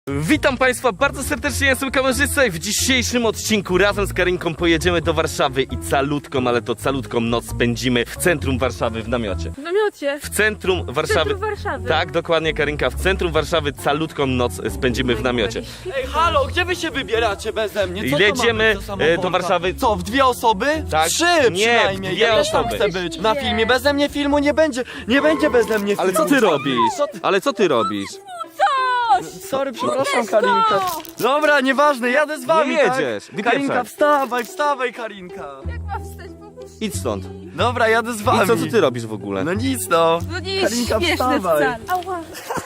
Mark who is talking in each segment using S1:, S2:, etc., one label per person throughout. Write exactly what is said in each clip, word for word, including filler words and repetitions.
S1: Witam Państwa bardzo serdecznie, ja jestem kamerzysta i w dzisiejszym odcinku razem z Karinką pojedziemy do Warszawy i calutką, ale to calutką noc spędzimy w centrum Warszawy w namiocie.
S2: W namiocie?
S1: W centrum Warszawy.
S2: W centrum Warszawy.
S1: Tak, dokładnie Karinka, w centrum Warszawy calutką noc spędzimy w namiocie.
S3: Ej, halo, gdzie wy się wybieracie beze mnie? Co to
S1: Jedziemy,
S3: ma być za
S1: e,
S3: samochoda?
S1: do Warszawy.
S3: Co, w dwie osoby?
S1: Tak.
S3: Trzy
S1: Nie,
S3: przynajmniej.
S1: w dwie
S3: ja też tam
S1: osoby.
S3: chcę być. Na
S2: Nie.
S3: filmie beze mnie filmu nie będzie. Nie będzie beze mnie filmu.
S1: Ale co ty robisz?
S3: Co ty?
S1: Ale co ty robisz?
S3: Sorry, przepraszam,
S2: Uderz go!
S3: Karinka. Dobra, nieważne, jadę z wami,
S1: Nie jedziesz,
S3: tak?
S1: wypieprzaj.
S3: Karinka, wstawaj, wstawaj, Karinka.
S2: Jak ma wstać, pomóż?
S1: Idź stąd.
S3: Dobra, jadę z wami.
S1: I co, co ty robisz w ogóle?
S3: No nic, no.
S2: No nie jest
S3: Karinka,
S2: śmieszne
S3: wstawaj.
S2: wcale. Ała.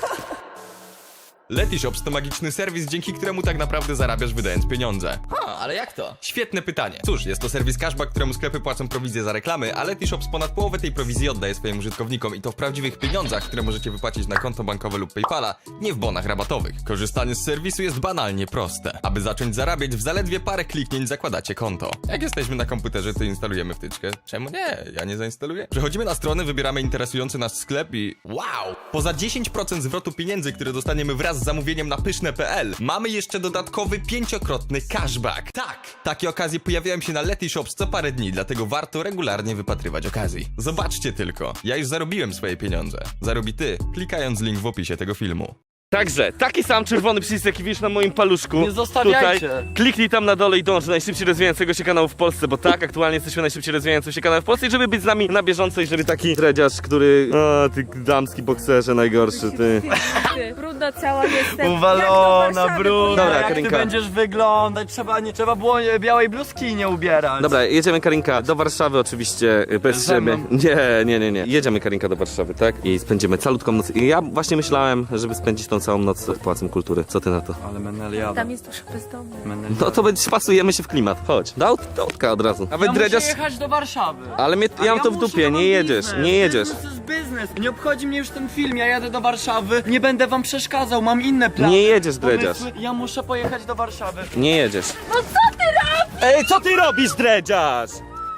S4: Letyshops to magiczny serwis, dzięki któremu tak naprawdę zarabiasz wydając pieniądze. Ha, ale jak to? Świetne pytanie. Cóż, jest to serwis cashback, któremu sklepy płacą prowizję za reklamy, a Letyshops ponad połowę tej prowizji oddaje swoim użytkownikom i to w prawdziwych pieniądzach, które możecie wypłacić na konto bankowe lub PayPala, nie w bonach rabatowych. Korzystanie z serwisu jest banalnie proste. Aby zacząć zarabiać, w zaledwie parę kliknięć zakładacie konto. Jak jesteśmy na komputerze, to instalujemy wtyczkę. Czemu nie? Ja nie zainstaluję. Przechodzimy na stronę, wybieramy interesujący nas sklep i wow! Poza dziesięć procent zwrotu pieniędzy, które dostaniemy wraz z zamówieniem na pyszne kropka p l, mamy jeszcze dodatkowy pięciokrotny cashback. Tak! Takie okazje pojawiają się na Letyshops co parę dni, dlatego warto regularnie wypatrywać okazji. Zobaczcie tylko, ja już zarobiłem swoje pieniądze. Zarobi ty, klikając link w opisie tego filmu.
S1: Także, taki sam czerwony przycisk, jaki widzisz na moim paluszku.
S3: Nie zostawiajcie.
S1: Tutaj, kliknij tam na dole i dąż do najszybciej rozwijającego się kanału w Polsce, bo tak, aktualnie jesteśmy najszybciej rozwijającym się kanałem w Polsce i żeby być z nami na bieżąco i żeby taki dredziarz, który... O, ty damski bokserze najgorszy, ty.
S2: Ty, brudna cała jestem.
S3: Uwalona, brudna.
S1: Dobra,
S3: jak
S1: Karinka.
S3: ty będziesz wyglądać? Trzeba, nie, trzeba było e, białej bluzki nie ubierać.
S1: Dobra, jedziemy Karinka do Warszawy oczywiście, y, bez
S3: Ze
S1: ciebie.
S3: mną?
S1: Nie, nie, nie, nie. Jedziemy Karinka do Warszawy, tak? I spędzimy calutką noc. I ja właśnie myślałem, żeby spędzić tą całą noc w Pałacem Kultury. Co ty na to?
S3: Ale Menel jadę.
S2: Tam jest dużo bezdomnych.
S3: Menel
S1: No to będzie, pasujemy się w klimat. Chodź. Do aut- do autka od razu. Nawet
S3: ja muszę
S1: dredziarz...
S3: jechać do Warszawy.
S1: Ale mnie, ja mam to w
S3: muszę,
S1: dupie,
S3: ja mam
S1: nie jedziesz,
S3: biznes.
S1: nie jedziesz.
S3: Biznes jest biznes. Nie obchodzi mnie już ten film, ja jadę do Warszawy. Nie będę wam przeszkadzał, mam inne plany.
S1: Nie jedziesz, dredziarz.
S3: pomysły. Ja muszę pojechać do Warszawy.
S1: Nie jedziesz.
S2: No co ty robisz?
S1: Ej, co ty robisz, dredziarz?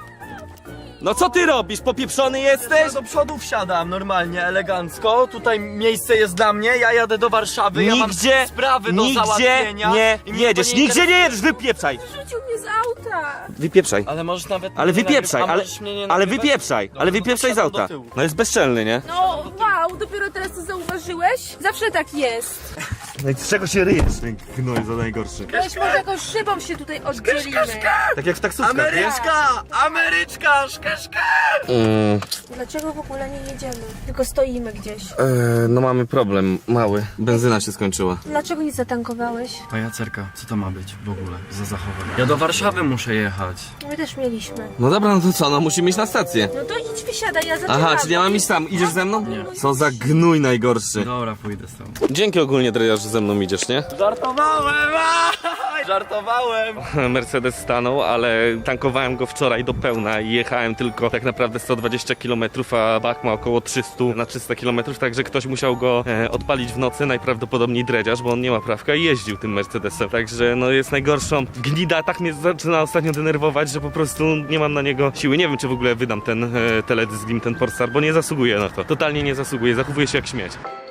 S1: No co ty robisz? Popieprzony jesteś?
S3: Ja do przodu wsiadam normalnie, elegancko. Tutaj miejsce jest dla mnie, ja jadę do Warszawy. Ja mam
S1: Nigdzie,
S3: sprawy do
S1: nigdzie
S3: załatwienia.
S1: nie
S3: i mnie to
S1: jedziesz,
S3: nie
S1: nigdzie nie
S3: interesuje.
S1: jedziesz, wypieprzaj!
S2: Rzucił mnie z auta.
S1: Wypieprzaj.
S3: Ale możesz nawet
S1: Ale
S3: mnie
S1: wypieprzaj,
S3: nagrywać. A
S1: ale,
S3: możesz mnie nie
S1: ale
S3: nagrywać?
S1: wypieprzaj,
S3: Dobra,
S1: ale
S3: no to
S1: wypieprzaj z
S3: wsiadam do
S1: auta.
S3: tyłu.
S1: No jest bezczelny, nie?
S2: No wow, dopiero teraz to zauważyłeś? Zawsze tak jest.
S1: No i z czego się ryjesz, ten gnoj za najgorszy?
S2: Weź może jakąś szybą się tutaj oddzielimy.
S1: Tak jak w taksówkach, wiesz?
S3: Ameryczka! Ameryczka! Szkeszka!
S1: Mm,
S2: Dlaczego w ogóle nie jedziemy? Tylko stoimy gdzieś.
S1: e, no mamy problem, mały. Benzyna się skończyła.
S2: Dlaczego nie zatankowałeś?
S3: Pajacerka, co to ma być w ogóle za zachowanie? Ja do Warszawy muszę jechać.
S2: My też mieliśmy.
S1: No dobra, no to co, no musimy iść na stację.
S2: No to idź wysiadaj, ja zaczynam.
S1: Aha, czyli ja mam iść sam. Idziesz ze mną? Co za gnój najgorszy.
S3: Dobra, pójdę z tobą.
S1: Dzięki ogólnie, dredziarz, że ze mną idziesz, nie?
S3: Żartowałem! Aj! Żartowałem!
S1: Mercedes stanął, ale tankowałem go wczoraj do pełna i jechałem tylko tak naprawdę sto dwadzieścia kilometrów, a bak ma około trzysta na trzysta kilometrów, także ktoś musiał go e, odpalić w nocy, najprawdopodobniej dredziarz, bo on nie ma prawka i jeździł tym Mercedesem, także no jest najgorszą. Gnida tak mnie zaczyna ostatnio denerwować, że po prostu nie mam na niego siły. Nie wiem, czy w ogóle wydam ten e, teledysk z nim, ten Polestar, bo nie zasługuje na to. Totalnie nie zasługuje, zachowuje się jak śmieć.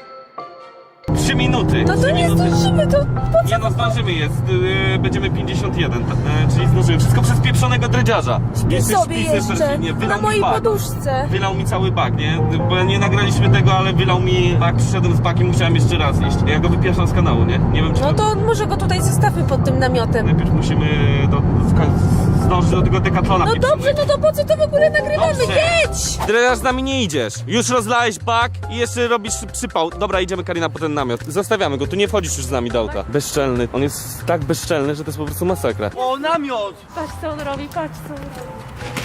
S1: Trzy minuty.
S2: No to
S1: Trzy
S2: nie
S1: minuty.
S2: zdążymy, to po
S1: Nie no, zdążymy, jest, yy, będziemy pięćdziesiąt jeden, yy, czyli zdążymy. Wszystko przez pieprzonego dredziarza.
S2: Śpi sobie jeszcze, na mojej
S1: bak.
S2: poduszce.
S1: Wylał mi cały bak, nie? Bo nie nagraliśmy tego, ale wylał mi bak, przyszedłem z bakiem, musiałem jeszcze raz iść. Ja go wypieszam z kanału, nie? Nie wiem, czy
S2: No to może go tutaj zostawmy pod tym namiotem.
S1: najpierw musimy do, w, zdążyć do tego dekatlona.
S2: No dobrze, no to po co to w ogóle nagrywamy?
S1: Dobrze.
S2: Jedź!
S1: Dredziarz z nami nie idziesz. Już rozlałeś bak i jeszcze robisz przypał. Dobra, idziemy Karina po ten namiot. Zostawiamy go, tu nie wchodzisz już z nami do auta. Bezczelny. On jest tak bezczelny, że to jest po prostu masakra.
S3: O, namiot!
S2: Patrz co on robi, patrz co on robi.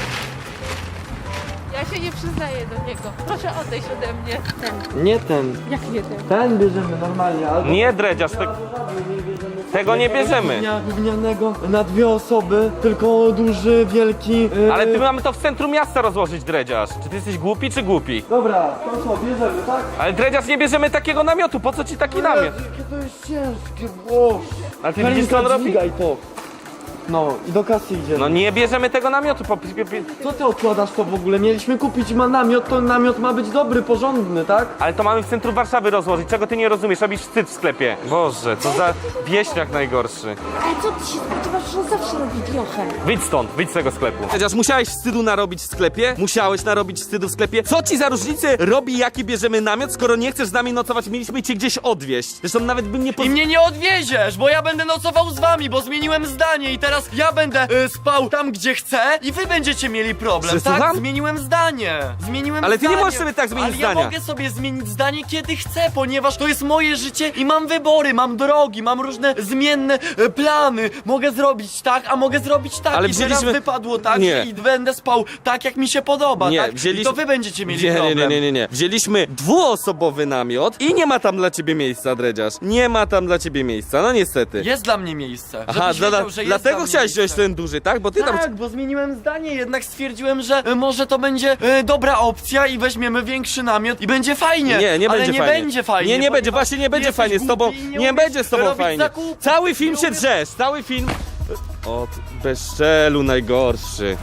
S2: Ja się nie przyznaję do niego. Proszę odejść ode mnie. Ten.
S3: Nie ten.
S2: Jak nie ten?
S3: Ten bierzemy normalnie, albo...
S1: Nie dredziarz, te... tego nie bierzemy.
S3: Gównia, gównianego na dwie osoby, tylko duży, wielki... Yy...
S1: Ale ty mamy to w centrum miasta rozłożyć, dredziarz. Czy ty jesteś głupi, czy głupi?
S3: Dobra, to co, bierzemy, tak?
S1: Ale dredziarz, nie bierzemy takiego namiotu, po co ci taki namiot?
S3: Jakie to jest ciężkie, wow.
S1: Ale ty widzisz, co on robi?
S3: Dźwigaj to. No i do kasy idziemy.
S1: No nie bierzemy tego namiotu, po...
S3: Co ty odkładasz to w ogóle? Mieliśmy kupić ma namiot, to namiot ma być dobry, porządny, tak?
S1: Ale to mamy w centrum Warszawy rozłożyć, czego ty nie rozumiesz, robisz wstyd w sklepie. Boże, co za wieśniak najgorszy.
S2: Ale co ty się spodziewasz, że on zawsze robi wiochę?
S1: Wyjdź stąd, wyjdź z tego sklepu. Chociaż musiałeś wstydu narobić w sklepie? Musiałeś narobić wstydu w sklepie? Co ci za różnicę robi, jaki bierzemy namiot, skoro nie chcesz z nami nocować? Mieliśmy cię gdzieś odwieźć. Zresztą nawet bym nie...
S3: I mnie nie odwieziesz, bo ja będę nocował z wami, bo zmieniłem zdanie i teraz ja będę y, spał tam, gdzie chcę i wy będziecie mieli problem,
S1: Że
S3: tak?
S1: słucham?
S3: Zmieniłem zdanie. Zmieniłem
S1: Ale ty nie
S3: zdanie.
S1: możesz sobie tak zmienić
S3: Ale
S1: zdania.
S3: ja mogę sobie zmienić zdanie, kiedy chcę, ponieważ to jest moje życie i mam wybory, mam drogi, mam różne zmienne e, plany. Mogę zrobić tak, a mogę zrobić tak.
S1: Ale
S3: I
S1: wzięliśmy-
S3: teraz wypadło tak
S1: Nie.
S3: i będę spał tak, jak mi się podoba,
S1: Nie,
S3: tak?
S1: wzięliśmy-
S3: I to wy będziecie mieli
S1: Nie, nie,
S3: problem.
S1: nie, nie, nie, nie. Wzięliśmy dwuosobowy namiot i nie ma tam dla ciebie miejsca, dredziarz. Nie ma tam dla ciebie miejsca, no niestety.
S3: Jest dla mnie miejsce.
S1: Aha,
S3: żebyś
S1: dla,
S3: wiedział, że jest
S1: dlatego
S3: dla mnie
S1: chciałeś wziąć
S3: miejsce.
S1: ten duży, tak? Bo ty tam...
S3: Tak, bo zmieniłem zdanie, jednak stwierdziłem, że e, może to będzie e, dobra opcja i weźmiemy większy namiot i będzie fajnie.
S1: Nie, nie
S3: ale
S1: będzie
S3: nie
S1: fajnie.
S3: będzie fajnie.
S1: Nie, nie będzie,
S3: ponieważ
S1: właśnie nie będzie
S3: jesteś
S1: fajnie z tobą.
S3: głupi i
S1: Nie,
S3: umiesz
S1: będzie z tobą
S3: robić
S1: fajnie.
S3: zakupów.
S1: Cały film
S3: Nie
S1: się
S3: umiesz-
S1: drzesz, cały film... O, ty bezczelu najgorszy.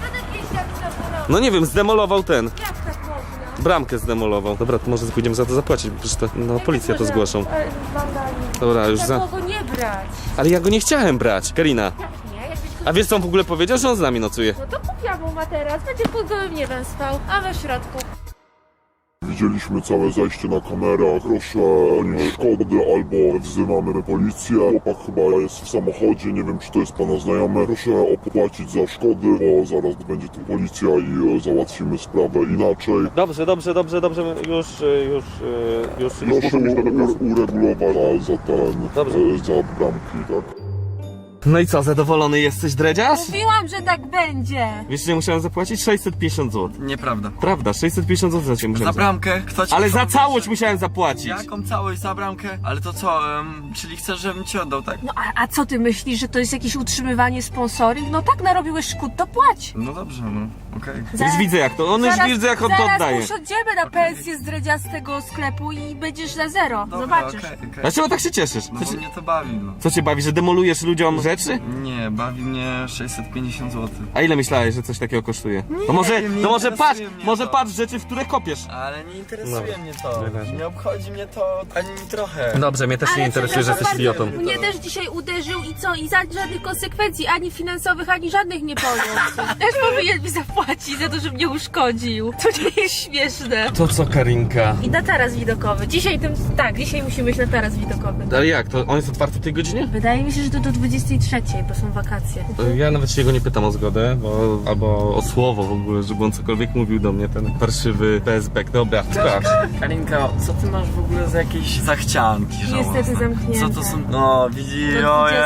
S1: No nie wiem, zdemolował ten.
S2: Jak tak można?
S1: Bramkę zdemolował. Dobra, to może pójdziemy za to zapłacić, bo przecież to, no policja to zgłoszą.
S2: Ale wandalizm.
S1: Dobra, już
S2: Tak
S1: za...
S2: mogło nie brać.
S1: Ale ja go nie chciałem brać, Karina.
S2: Jak nie? Jakbyś go...
S1: A wiesz co on w ogóle powiedział, że on z nami nocuje?
S2: No to kupiłam mu materac, będzie pod gołym niebem spał, a we środku.
S5: Widzieliśmy całe zajście na kamerach. Proszę o szkody albo wzywamy policję. Chłopak chyba jest w samochodzie, nie wiem czy to jest pana znajomy. Proszę opłacić za szkody, bo zaraz będzie tu policja i e, załatwimy sprawę inaczej.
S1: Dobrze, dobrze, dobrze, dobrze, już, już, już, już.
S5: Proszę u- uregulować za ten,
S1: Dobrze.
S5: e, za bramki, tak?
S1: No i co, zadowolony jesteś, dredziarz?
S2: Mówiłam, że tak będzie.
S1: Wiesz, że musiałem zapłacić sześćset pięćdziesiąt złotych.
S3: Nieprawda.
S1: Prawda, sześćset pięćdziesiąt złotych za ciebie musiałem
S3: Za bramkę? Kto ci
S1: Ale za
S3: powiedział,
S1: całość
S3: że-
S1: musiałem zapłacić.
S3: Jaką całość za bramkę? Ale to co, em, czyli chcesz, żebym ci oddał, tak?
S2: No a, a co ty myślisz, że to jest jakieś utrzymywanie sponsoring? No tak narobiłeś szkód, to płać.
S3: No dobrze, no, okej.
S1: Już widzę jak to, on już
S2: Zaraz-
S1: widzę jak on to
S2: zaraz
S1: oddaje.
S2: usiądziemy na pensję z dredziastego sklepu i będziesz na zero.
S3: Dobra,
S2: Zobaczysz.
S3: okej, okej.
S1: Dlaczego tak się cieszysz?
S3: No
S1: Co,
S3: bo
S1: ci,
S3: mnie to bawi, no.
S1: co cię bawi, że demolujesz ludziom rzeczy?
S3: Nie, bawi mnie sześćset pięćdziesiąt złotych.
S1: A ile myślałeś, że coś takiego kosztuje? To może,
S3: wiem, nie
S1: no może patrz,
S3: interesuje mnie
S1: może
S3: to.
S1: patrz rzeczy, w które kopiesz.
S3: Ale nie interesuje
S1: Dobra.
S3: mnie to.
S1: Wyraźnie.
S3: Nie obchodzi mnie to ani trochę.
S1: Dobrze, mnie też nie interesuje, że jesteś
S2: przepraszam
S1: idiotą.
S2: bardzo, mnie też dzisiaj uderzył i co? I za żadnych konsekwencji, ani finansowych, ani żadnych nie poniósł. Też powinien mi zapłacić za to, że mnie uszkodził. To nie jest śmieszne.
S1: To co, Karinka?
S2: I na taras widokowy. Dzisiaj tym, tak, dzisiaj musimy iść na taras widokowy.
S1: Ale jak, to on jest otwarty w tej godzinie?
S2: Wydaje mi się, że to do dwudziestej trzeciej, bo są wakacje.
S1: Ja nawet się go nie pytam o zgodę, bo, albo o słowo w ogóle, żeby on cokolwiek mówił do mnie, ten parszywy P S B. Dobra, sprawdź.
S3: Karinka, co ty masz w ogóle za jakieś zachcianki żałosne?
S2: Niestety zamknięte.
S3: Co to są? No, widzi,
S2: Do
S3: oje.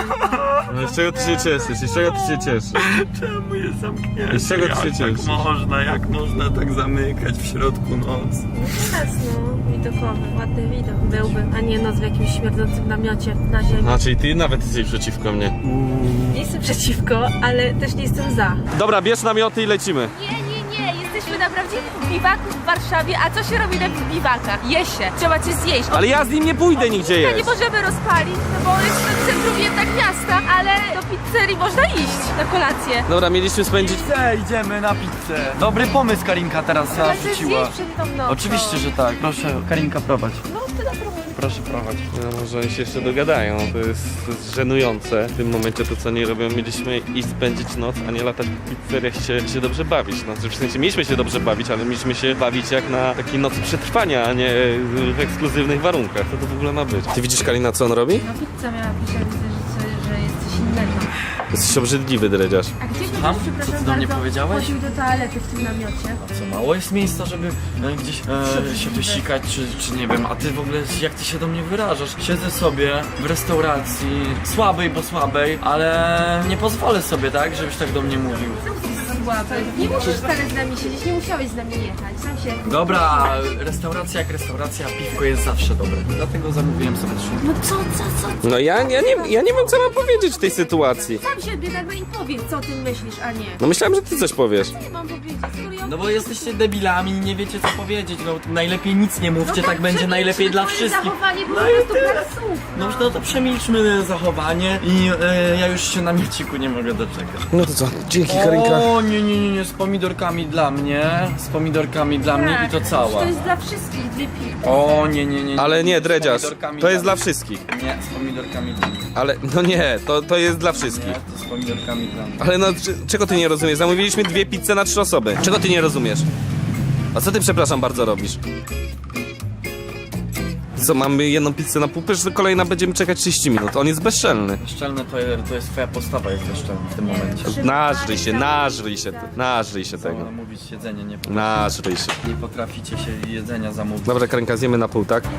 S1: No z czego ty się cieszysz? Z czego ty się cieszysz?
S3: Czemu jest zamknięte?
S1: Z czego ty się
S3: Jak
S1: cieszysz?
S3: tak można, jak można tak zamykać w środku nocy?
S2: Teraz no, widokowy, ładny widok byłby, a nie noc w jakimś śmierdzącym namiocie na ziemi.
S1: A, czyli ty nawet jesteś przeciwko mnie.
S2: Nie jestem przeciwko, ale też nie jestem za.
S1: Dobra, bierz namioty i lecimy.
S2: Nie, nie, nie, jesteśmy na prawdziwym biwaku w Warszawie, a co się robi na biwakach? Je się, trzeba cię zjeść.
S1: Ale ja z nim nie pójdę nigdzie
S2: Ja nie
S1: jeść.
S2: możemy rozpalić, no bo jest w centrum jednak miasta, ale do pizzerii można iść na kolację.
S1: Dobra, mieliśmy spędzić...
S3: Pizzę, idziemy na pizzę. Dobry pomysł Karinka teraz
S2: Ale chcesz
S3: rzuciła.
S2: zjeść przed tą nocą.
S3: Oczywiście, że tak. Proszę, Karinka, prowadź.
S2: No, ty dobra.
S3: Proszę prowadź.
S1: No, może oni się jeszcze dogadają, to jest, to jest żenujące. W tym momencie to co nie robią, mieliśmy iść spędzić noc, a nie latać po pizzeriach się, się dobrze bawić. No, w sensie mieliśmy się dobrze bawić, ale mieliśmy się bawić jak na takiej nocy przetrwania, a nie w ekskluzywnych warunkach. Co to w ogóle ma być? Ty widzisz, Kalina, co on robi?
S2: No pizza miała pisać, że, że jest coś innego.
S1: Jesteś obrzydliwy, dredziarz.
S2: A gdzie
S3: Słucham?
S2: ktoś, przepraszam
S3: Co ty do mnie
S2: bardzo,
S3: powiedziałeś?
S2: chodził do toalety w tym namiocie?
S3: Co, mało jest miejsca, żeby e, gdzieś e, się wysikać, czy, czy nie wiem, a ty w ogóle jak ty się do mnie wyrażasz? Siedzę sobie w restauracji, słabej, bo słabej, ale nie pozwolę sobie, tak, żebyś tak do mnie mówił.
S2: złapać. Nie musisz wcale z nami siedzieć, nie musiałeś z nami jechać. Sam się...
S3: Dobra, restauracja jak restauracja, piwko jest zawsze dobre. Dlatego zamówiłem sobie trzy.
S2: No co, co, co?
S1: No ja, ja, nie, ja nie wiem, co mam powiedzieć w tej sytuacji.
S2: Sam siebie nagle i powiedz, co o tym myślisz, a nie.
S1: No myślałem, że ty coś powiesz.
S2: Nie mam powiedzieć, skoro ja...
S3: No bo jesteście debilami i nie wiecie co powiedzieć, no najlepiej nic nie mówcie,
S2: No
S3: tak będzie
S2: przemilczmy
S3: najlepiej dla
S2: twoje
S3: wszystkich.
S2: zachowanie było
S3: No
S2: po
S3: i
S2: prostu
S3: tyle.
S2: brak słów.
S3: No no to przemilczmy zachowanie i e, ja już się na mieciku nie mogę doczekać.
S1: No to co? Dzięki,
S3: O nie, nie, nie, nie, z pomidorkami dla mnie, z pomidorkami dla mnie i to
S2: Tak,
S3: cała.
S2: To jest dla wszystkich, dwie piwy.
S3: O nie, nie, nie.
S1: Ale nie,
S3: z
S1: dredziarz,
S3: pomidorkami
S1: to jest dla
S3: mnie.
S1: wszystkich.
S3: Nie, z pomidorkami dla mnie.
S1: Ale, no nie, to, to jest dla wszystkich.
S3: Nie, to z pomidorkami dla mnie.
S1: Ale no, czy- czego ty nie rozumiesz? Zamówiliśmy dwie pizze na trzy osoby. Czego ty nie rozumiesz? A co ty, przepraszam bardzo, robisz? Co, mamy jedną pizzę na pół, że kolejna będziemy czekać trzydzieści minut. On jest bezczelny.
S3: Szczelne to, jest- to jest twoja postawa jest bezczelna w tym momencie.
S1: Nażryj się, nażryj się, nażryj się tego.
S3: Tego. Mówić jedzenie nie,
S1: Nażryj się.
S3: nie potraficie się jedzenia zamówić.
S1: Dobra, Karinka, zjemy na pół, tak?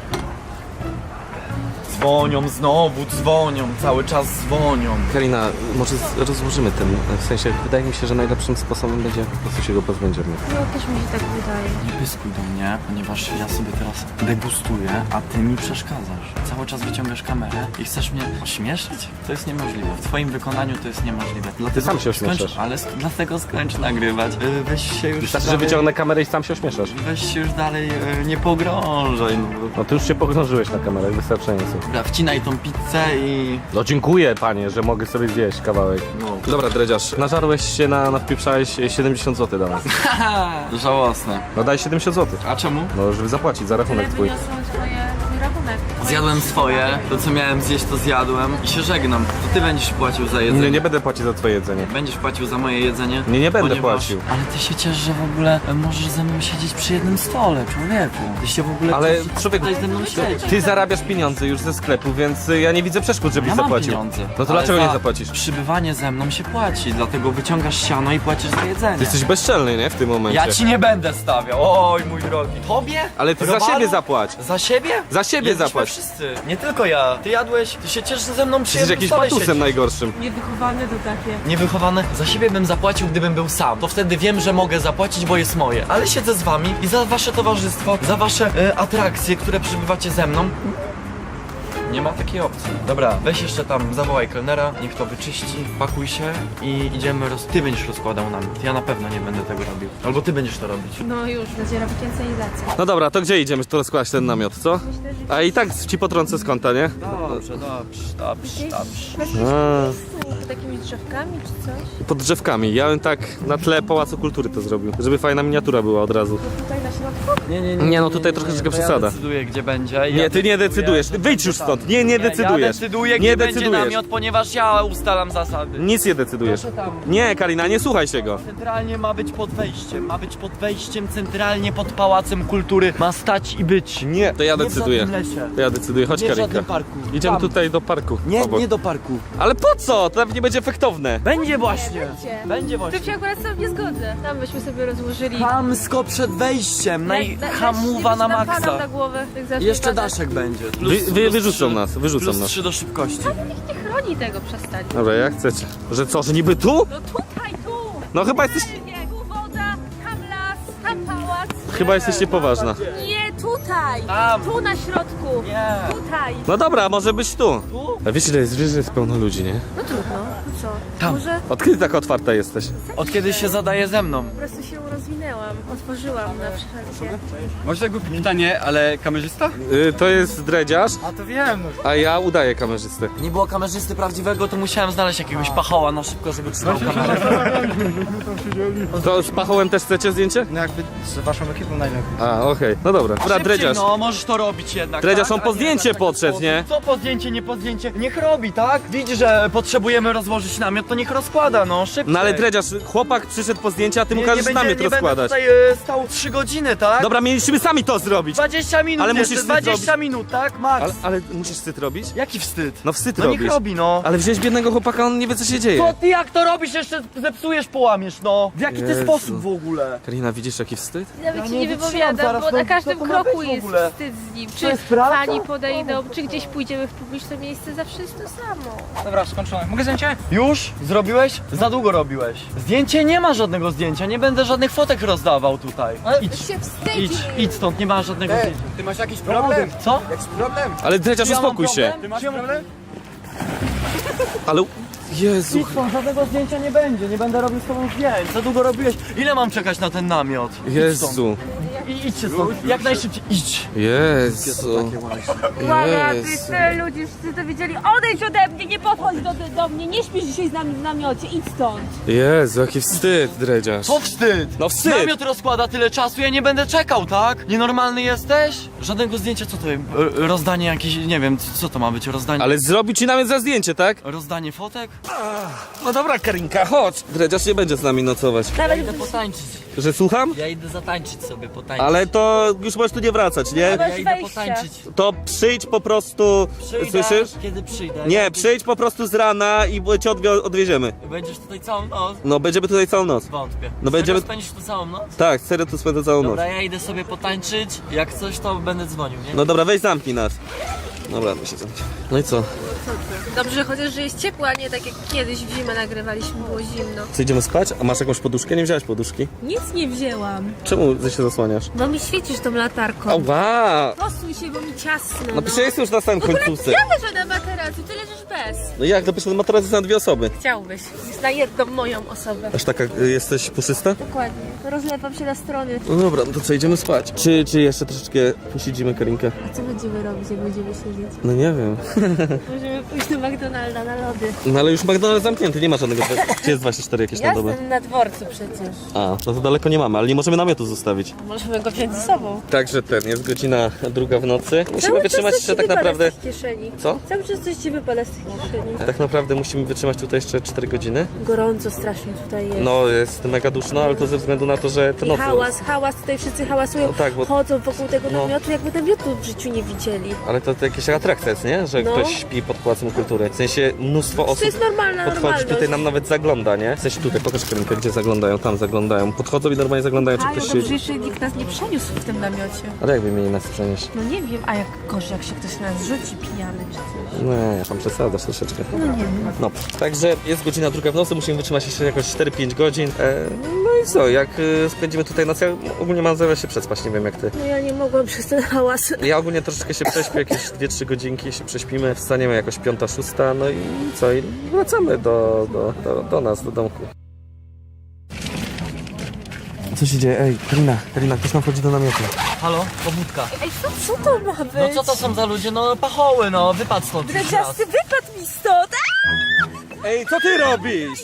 S3: Dzwonią znowu, dzwonią, cały czas dzwonią.
S1: Karina, może z- rozłożymy ten, w sensie, wydaje mi się, że najlepszym sposobem będzie po prostu się go pozbędziemy.
S2: No też mi się tak wydaje.
S3: Nie pyskuj do mnie, ponieważ ja sobie teraz degustuję, a ty mi przeszkadzasz. Cały czas wyciągasz kamerę i chcesz mnie ośmieszyć? To jest niemożliwe. W twoim wykonaniu to jest niemożliwe. Dlatego
S1: sam się
S3: skończ-
S1: ośmieszasz.
S3: Ale sk- dlatego skończ nagrywać. Yy, weź się już
S1: Wystarczy, że
S3: dalej,
S1: wyciągnę kamerę i sam się ośmieszasz.
S3: weź się już dalej yy, nie pogrążaj. No.
S1: No ty już się pogrążyłeś na kamerę, wystarczająco.
S3: Dobra, wcinaj tą pizzę i...
S1: No dziękuję, panie, że mogę sobie zjeść kawałek.
S3: No.
S1: Dobra, dredziarz, nażarłeś się, na, nawpieprzałeś siedemdziesiąt złotych do nas.
S3: Haha, żałosne.
S1: No daj siedemdziesiąt złotych.
S3: A czemu?
S1: No, żeby zapłacić za
S2: Tyle
S1: rachunek twój.
S2: wyniosą swoje, twój rachunek.
S3: Zjadłem swoje, to co miałem zjeść to zjadłem i się żegnam. To ty będziesz płacił za jedzenie.
S1: Nie, nie będę płacić za twoje jedzenie.
S3: Będziesz płacił za moje jedzenie?
S1: Nie, nie będę
S3: ponieważ...
S1: płacił.
S3: Ale ty się ciesz, że w ogóle możesz ze mną siedzieć przy jednym stole, człowieku. Ty się w ogóle
S1: Ale
S3: chcesz
S1: człowieku,
S3: tutaj ze mną siedzieć.
S1: ty zarabiasz pieniądze już ze sklepu, więc y, ja nie widzę przeszkód, żebyś
S3: Ja mam
S1: zapłacił.
S3: pieniądze.
S1: No to
S3: ale
S1: dlaczego
S3: za
S1: nie zapłacisz?
S3: Przybywanie ze mną się płaci, dlatego wyciągasz siano i płacisz za jedzenie.
S1: Ty jesteś bezczelny, nie? W tym momencie.
S3: Ja ci nie będę stawiał, oj mój drogi. Tobie?
S1: Ale ty za
S3: Robalu?
S1: siebie zapłać.
S3: Za siebie?
S1: Za siebie
S3: Jedliśmy
S1: zapłać.
S3: wszyscy. Nie tylko ja. Ty jadłeś, ty się cieszysz ze mną przy
S1: Jesteś
S3: jednym
S1: jakimś
S3: stole
S1: patusem
S3: siedzisz.
S1: najgorszym.
S2: Niewychowane to takie.
S3: Niewychowane. Za siebie bym zapłacił, gdybym był sam. To wtedy wiem, że mogę zapłacić, bo jest moje. Ale siedzę z wami i za wasze towarzystwo, za wasze e, atrakcje, które przybywacie ze mną. Nie ma takiej opcji. Dobra, weź jeszcze tam, zawołaj kelnera, niech to wyczyści, pakuj się i idziemy roz... Ty będziesz rozkładał namiot. Ja na pewno nie będę tego robił. Albo ty będziesz to robić.
S2: No już, zadziera wykręcenizacja.
S1: No dobra, to gdzie idziemy tu rozkładać ten namiot, co? A i tak ci potrącę z kąta, nie?
S3: Dobrze, dobrze, dobrze, dobrze.
S1: A,
S2: Pod jakimiś drzewkami czy coś?
S1: pod drzewkami. Ja bym tak na tle Pałacu Kultury to zrobił, żeby fajna miniatura była od razu.
S2: Tutaj na środku?
S3: Nie, nie,
S1: Nie, no tutaj troszeczkę
S3: to
S1: przesada.
S3: Ja decyduję, gdzie będzie.
S1: Nie, ty nie decydujesz. Wyjdź już stąd. Nie, nie
S3: Ja
S1: decydujesz.
S3: decyduję,
S1: Nie
S3: gdzie będzie
S1: decydujesz.
S3: namiot, ponieważ ja ustalam zasady.
S1: Nic nie decydujesz.
S3: Proszę tam.
S1: Nie, Karina, nie słuchaj się go.
S3: Centralnie ma być pod wejściem, ma być pod wejściem, centralnie pod Pałacem Kultury. Ma stać i być.
S1: Nie, to ja
S3: Nie w
S1: decyduję.
S3: żadnym lesie.
S1: To ja decyduję. Chodź,
S3: Nie w
S1: Karinka.
S3: żadnym parku.
S1: Idziemy
S3: Tam.
S1: tutaj do parku.
S3: Nie,
S1: obok.
S3: nie do parku.
S1: Ale po co? To nawet nie będzie efektowne.
S3: Będzie właśnie.
S2: Będzie.
S3: Będzie
S2: To
S3: właśnie.
S2: się akurat sam nie zgodzę. Tam byśmy sobie rozłożyli.
S3: Hamsko przed wejściem, najhamuwa na
S2: na
S3: maksa.
S2: głowę. Tak zacznie
S3: Jeszcze
S2: padać.
S3: daszek będzie.
S1: Wy,
S3: Plus,
S1: wy,
S3: plus
S1: wyrzucą
S3: trzy.
S1: nas, wyrzucą
S3: Plus
S1: nas.
S3: trzy do szybkości.
S2: Nie chroni tego, przestań.
S1: Dobra, jak chcecie. Że co, że niby tu?
S2: No tutaj, tu!
S1: No chyba jesteś...
S2: Nie, tu woda, tam las, tam pałac.
S1: Chyba jesteście poważna.
S2: Nie, tutaj!
S3: Tam.
S2: Tu na środku!
S3: Nie.
S2: Tutaj!
S1: No dobra, może być tu.
S3: Tu?
S1: A wiecie, że jest, wiesz, że jest pełno ludzi, nie?
S2: No trudno, no co?
S3: Tam.
S2: Może
S1: Od kiedy tak otwarta jesteś?
S3: Od kiedy się zadaje ze mną?
S2: po prostu się rozwinęłam, otworzyłam na wszelkie.
S6: Może głupie pytanie, ale kamerzysta?
S1: Y, to jest dredziarz,
S6: A to wiem, no.
S1: a ja udaję kamerzystę.
S3: Nie było kamerzysty prawdziwego, to musiałem znaleźć jakiegoś pachoła na szybko, żeby trzymał kamerę.
S1: To z pachołem też chcecie zdjęcie?
S6: No jakby z waszą ekipą najlepiej.
S1: A, okej. No dobra. Dobra,
S3: Szybciej,
S1: dredziarz.
S3: no, możesz to robić jednak,
S1: Dredziarz,
S3: tak?
S1: on po
S3: A nie
S1: zdjęcie
S3: tak, tak,
S1: podszedł,
S3: tak.
S1: nie?
S3: Co po zdjęcie, nie po zdjęcie? Niech robi, tak? Widzi, że potrzebujemy rozłożyć namiot, to niech rozkłada, no, szybciej.
S1: No ale dredziarz, chłopak przyszedł po zdjęcie, a ty mu
S3: Nie-
S1: każesz
S3: nie będzie-
S1: namiot
S3: nie będę
S1: rozkładać.
S3: tutaj e, stał trzy godziny, tak?
S1: Dobra, mieliśmy sami to zrobić.
S3: dwadzieścia minut
S1: Ale
S3: jeszcze,
S1: musisz wstyd
S3: dwadzieścia
S1: robić.
S3: minut, tak? Max.
S1: Ale, ale musisz wstyd robić?
S3: Jaki wstyd?
S1: No wstyd
S3: No
S1: robisz.
S3: niech robi, no.
S1: Ale wziąłeś biednego chłopaka, on nie wie co się dzieje.
S3: Co ty, jak to robisz? Jeszcze zepsujesz, połamiesz, no. W jaki ty
S1: Jezu.
S3: sposób w ogóle?
S1: Karina, widzisz jaki wstyd?
S2: Nawet
S3: Ja
S2: ci
S3: nie
S2: nie
S3: wytrzymam
S2: wypowiadam,
S3: zaraz,
S2: bo
S3: no,
S2: na każdym
S3: co to ma
S2: kroku
S3: być w
S2: jest
S3: ogóle?
S2: wstyd z nim.
S3: To
S2: Czy
S3: jest prawda?
S2: pani podejdą, czy gdzieś pójdziemy w publiczne miejsce, zawsze jest to samo.
S6: Dobra, skończone. Mogę zdjęcie?
S3: Już? Zrobiłeś? Za długo robiłeś. Zdjęcie nie ma żadnego zdjęcia, nie będę żadnych fotek rozdawał tutaj. Idź,
S2: się wstydzi.
S3: idź, idź stąd, nie ma żadnego
S6: Ej,
S3: zdjęcia.
S6: ty masz jakiś problem?
S3: Co?
S6: Jakiś problem?
S1: Ale Dredziarz,
S3: Ja mam
S1: uspokój się.
S3: problem?
S6: Ty masz
S3: Czemu-
S6: problem?
S1: Ale... Jezu.
S3: Idź stąd, żadnego zdjęcia nie będzie, nie będę robił z tobą zdjęć. Za długo robiłeś. Ile mam czekać na ten namiot? Idź stąd.
S1: Jezu.
S3: I idźcie stąd, jak najszybciej, idź.
S1: Jezu.
S2: Uwaga,
S1: Jezu.
S2: wszyscy ludzie, wszyscy to widzieli. Odejdź ode mnie, nie podchodź do, do mnie, nie śpisz dzisiaj z nami w namiocie, idź stąd.
S1: Jezu, jaki wstyd, Dredziarz.
S3: Co wstyd?
S1: No wstyd.
S3: Namiot rozkłada tyle czasu, ja nie będę czekał, tak? Nienormalny jesteś? Żadnego zdjęcia, co to jest? R- Rozdanie jakieś, nie wiem, co to ma być, rozdanie...
S1: Ale zrobił ci nawet za zdjęcie, tak?
S3: Rozdanie fotek?
S1: No dobra, Karinka, chodź. Dredziarz nie będzie z nami nocować.
S3: Ja idę potańczyć.
S1: Że słucham?
S3: Ja idę zatańczyć sobie, potańczyć.
S1: Ale to już możesz tu nie wracać, nie?
S3: Ja idę
S2: wejścia.
S3: potańczyć.
S1: To przyjdź po prostu...
S3: Przyjdę,
S1: Słyszysz?
S3: kiedy przyjdę.
S1: Nie, przyjdź po prostu z rana i cię odwie- odwieziemy.
S3: Będziesz tutaj całą noc?
S1: No, będziemy tutaj całą noc.
S3: Wątpię.
S1: No będziemy-
S3: Serio spędzisz tu całą noc?
S1: Tak, serio tu spędzę całą noc.
S3: Dobra, ja idę sobie potańczyć, jak coś to będę dzwonił, nie?
S1: No dobra, weź zamknij nas. Dobra, to się zamknij. No i co?
S2: Dobrze, chociaż, że jest ciepło, a nie tak jak kiedyś w zimę nagrywaliśmy, było zimno.
S1: Co, idziemy spać? A masz jakąś poduszkę? Nie wziąłeś poduszki?
S2: Nic nie wzięłam,
S1: Czemu ty się zasłaniasz?
S2: bo mi świecisz tą latarką.
S1: Ała!
S2: Posuń się, bo mi ciasno.
S1: No przecież jestem już na samym końcówce.
S2: Ja leżę na materacu, ty leżysz bez.
S1: No jak? No przecież materac jest na dwie osoby.
S2: Chciałbyś. Jest na jedną moją osobę.
S1: Aż taka y, jesteś puszysta?
S2: Dokładnie. Rozlewam się na strony.
S1: No dobra, no to co, idziemy spać? Czy, czy jeszcze troszeczkę posiedzimy, Karinkę?
S2: A co będziemy robić, jak będziemy siedzieć?
S1: No nie wiem.
S2: Możemy pójść do McDonalda na lody.
S1: No ale już McDonald's zamknięty, nie ma żadnego... Czy jest dwadzieścia cztery jakieś na dobę?
S2: Jestem na dworcu przecież.
S1: A, no to daleko nie mamy, ale nie możemy namiotu zostawić.
S2: Możemy go wziąć ze sobą.
S1: Także ten, jest godzina druga w nocy. Musimy
S2: Cały czas
S1: wytrzymać
S2: coś
S1: jeszcze
S2: ci
S1: tak
S2: wypada
S1: naprawdę...
S2: z tych kieszeni.
S1: Co?
S2: Cały czas coś ci wypada z tych kieszeni.
S1: Tak naprawdę musimy wytrzymać tutaj jeszcze cztery godziny.
S2: Gorąco strasznie tutaj jest.
S1: No, jest mega duszno, ale to ze względu na to, że te
S2: I
S1: noce...
S2: hałas, hałas, tutaj wszyscy hałasują,
S1: No tak, bo-
S2: chodzą wokół tego
S1: No.
S2: namiotu, jakby namiotu w życiu nie widzieli.
S1: Ale to, to jakieś atrakcja jest, nie? Że
S2: No.
S1: ktoś śpi pod Pałacem Kultury. W sensie mnóstwo osób
S2: jest normalna
S1: podchodzi,
S2: normalność.
S1: tutaj nam nawet zagląda, nie? W sensie tutaj, pokaż Karinkę, gdzie zaglądają, tam zaglądają. Podchodzą i normalnie zaglądają, czy
S2: Kajo,
S1: ktoś
S2: dobrze,
S1: siedzi.
S2: jeszcze nikt nas nie przeniósł w tym namiocie.
S1: Ale jakby mieli nas przenieść?
S2: No nie wiem, a jak gorzej, jak się ktoś na nas rzuci pijany czy coś.
S1: Nie, tam przesadzasz troszeczkę.
S2: No nie wiem.
S1: No, także jest godzina druga w nocy, musimy wytrzymać jeszcze jakoś cztery pięć godzin. E, no i co, jak e, spędzimy tutaj noc, ja ogólnie mam zamiar się przespać, nie wiem jak ty.
S2: No ja nie mogłam przez ten hałas.
S1: Ja ogólnie troszeczkę się prześpię, jakieś dwie trzy godzinki się prześpimy, wstaniemy jakoś piąta, szósta, no i co, i wracamy do, do, do, do nas, do domku. Co się dzieje? Ej, Karina, Karina, ktoś nam wchodzi do namiotu.
S3: Halo? Pobudka.
S2: Ej, co, co to ma być?
S3: No co to są za ludzie? No pachoły, no, wypadł stąd już raz.
S2: Dredziasty, wypadł mi stąd!
S1: Ej, co ty robisz?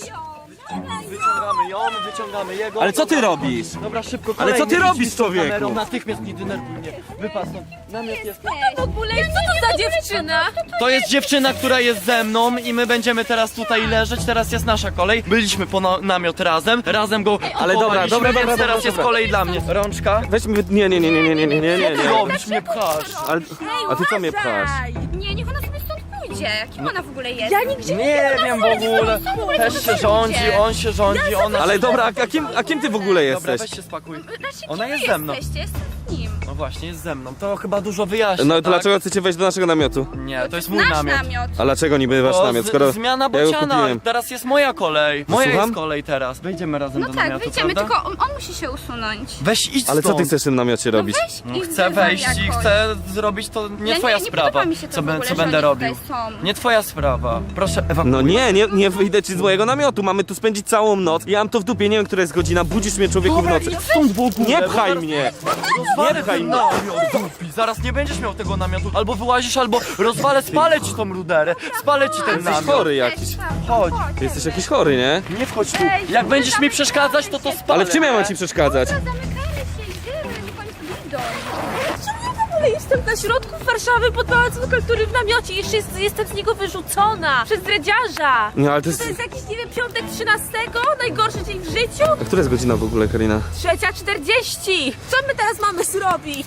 S3: Wyciągamy ją, wyciągamy jego.
S1: Ale co ty
S3: Dobra.
S1: robisz?
S3: Dobra, szybko,
S1: Ale co ty
S3: kolejny,
S1: robisz,
S3: idź z tą
S1: człowieku?
S3: kamerą, Natychmiast nie denerwuj mnie. Wypadł stąd. Namiot jest.
S2: W ogóle, co to za dziewczyna?
S3: To jest dziewczyna, która jest ze mną i my będziemy teraz tutaj leżeć. Teraz jest nasza kolej. Byliśmy po na namiot razem. Razem go
S1: Ale dobra,
S3: opakowaliśmy,
S1: dobra, dobra,
S3: więc
S1: dobra,
S3: teraz
S1: dobra.
S3: jest kolej dla mnie. Rączka.
S1: Weź mi... Nie, nie, nie, nie, nie, nie, nie, nie, nie,
S3: Ty
S1: nie.
S3: robisz, mnie pchasz.
S1: Ale, a ty co mnie pchasz?
S7: Nie, niech ona sobie stąd pójdzie. Kim ona w ogóle jest?
S2: Ja nigdzie nie
S3: Nie wiem w ogóle. Też się rządzi, on się rządzi, ona...
S1: Ale dobra, a kim, a kim ty w ogóle
S3: Dobra,
S1: jesteś?
S3: weź się spakuj.
S7: Znaczy,
S3: Ona
S7: kim
S3: jest
S7: wy
S3: ze mną.
S7: Jesteście? Jestem z nim.
S3: No właśnie, jest ze mną. To chyba dużo wyjaśnia,
S1: No to
S3: tak?
S1: dlaczego chcecie wejść do naszego namiotu?
S3: Nie, to jest mój
S7: Nasz
S3: namiot.
S7: namiot.
S1: A dlaczego niby wasz
S3: O,
S1: namiot,
S3: z-
S1: skoro
S3: Zmiana
S1: ja go
S3: bociana,
S1: kupiłem?
S3: teraz jest moja kolej. Moja
S1: Słucham?
S3: jest kolej teraz. Wejdziemy razem
S7: No
S3: do
S7: tak,
S3: namiotu,
S7: wyjdziemy,
S3: prawda?
S7: tylko on, on musi się usunąć.
S3: Weź idź
S1: Ale co
S3: stąd.
S1: ty chcesz w tym namiocie robić?
S7: Weź
S3: No,
S7: i
S3: chcę
S7: zbywaj
S3: wejść i
S7: jakoś.
S3: chcę zrobić to nie
S7: Ja
S3: twoja
S7: nie, nie
S3: sprawa,
S7: podoba mi się to
S3: co,
S7: w
S3: be-
S7: ogóle,
S3: co
S7: że
S3: będę
S7: oni tutaj
S3: robił.
S7: są.
S3: Nie twoja sprawa. Proszę ewakuuj.
S1: No nie, nie, nie wyjdę ci z mojego namiotu, mamy tu spędzić całą noc. Ja mam to w dupie, nie wiem, która jest godzina, budzisz mnie człowieku w
S3: Dobra,
S1: nocy.
S3: idź stąd w ogóle,
S1: Nie
S3: bo
S1: pchaj
S3: zaraz
S1: mnie!
S3: Rozwalę
S1: Nie pchaj
S3: ten
S1: mnie.
S3: namiot, dupi. Zaraz nie będziesz miał tego namiotu. Albo wyłazisz, albo rozwalę, spalę ci tą ruderę. Spalę ci ten
S1: Jesteś
S3: namiot.
S1: chory jakiś.
S3: Chodź,
S1: Ty jesteś jakiś chory, nie?
S3: nie wchodź tu. Jak będziesz mi przeszkadzać, to to spalę.
S1: Ale w czym ja mam ci przeszkadzać?
S7: Zamykamy się, idziemy, niech oni sobie idą.
S2: Czemu ja w ogóle jestem na środku Warszawy pod Pałacem Kultury w namiocie i jeszcze jest, jestem z niego wyrzucona przez dredziarza.
S1: Nie, ale to
S2: To
S1: jest...
S2: jest jakiś, nie wiem, piątek trzynastego? Najgorszy dzień w życiu?
S1: A która jest godzina w ogóle, Karina?
S2: Trzecia czterdzieści. Co my teraz mamy zrobić?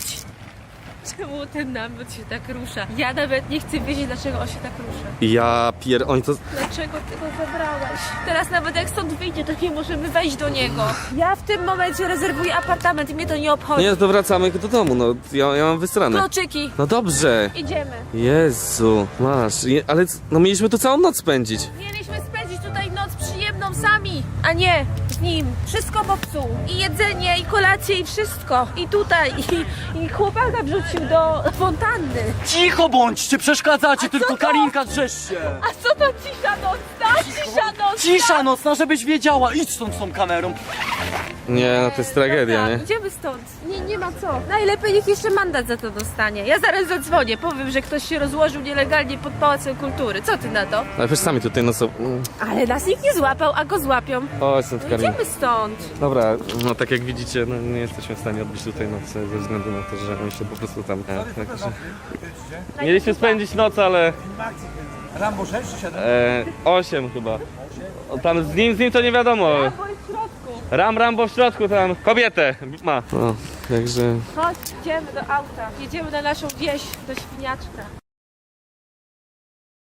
S2: Czemu ten namiot się tak rusza? Ja nawet nie chcę wiedzieć, dlaczego on się tak rusza.
S1: Ja pier... Oni to...
S2: Dlaczego ty go zabrałeś? Teraz nawet jak stąd wyjdzie, to nie możemy wejść do niego. Ja w tym momencie rezerwuję apartament i mnie to nie obchodzi.
S1: Nie, to wracamy do domu, no. Ja, ja mam wysrane.
S2: Kluczyki.
S1: No dobrze.
S2: Idziemy.
S1: Jezu, masz. Je, ale c- no mieliśmy tu całą noc spędzić.
S2: Mieliśmy spędzić tutaj noc przy sami, a nie z nim. Wszystko popsuł. I jedzenie, i kolację, i wszystko. I tutaj, i, i chłopaka wrzucił do fontanny.
S3: Cicho bądźcie, przeszkadzacie, tylko
S2: to?
S3: Karinka drzesz się.
S2: A co to cisza nocna? Cisza nocna!
S3: Cisza nocna, żebyś wiedziała. Idź stąd z tą kamerą.
S1: Nie, no to jest tragedia, nie?
S2: Idziemy stąd. Nie, nie ma co. Najlepiej niech jeszcze mandat za to dostanie. Ja zaraz zadzwonię, powiem, że ktoś się rozłożył nielegalnie pod Pałacem Kultury. Co ty na to?
S1: Ale przecież sami tutaj no co... mm.
S2: Ale nas nikt nie złapał, a go złapią.
S1: O, stąd
S2: No
S1: Karina.
S2: idziemy stąd.
S1: Dobra, no tak jak widzicie, no nie jesteśmy w stanie odbyć tutaj nocy ze względu na to, że oni się po prostu tam... E, tak, że... Mieliśmy spędzić noc, ale...
S6: Rambo sześć czy siedem?
S1: E, osiem chyba. O, tam z nim, z nim to nie wiadomo.
S2: Bo jest w środku.
S1: Ram Rambo w środku tam. Kobietę ma. No, także...
S2: Chodź, idziemy do auta. Jedziemy na naszą wieś, do Świniaczka.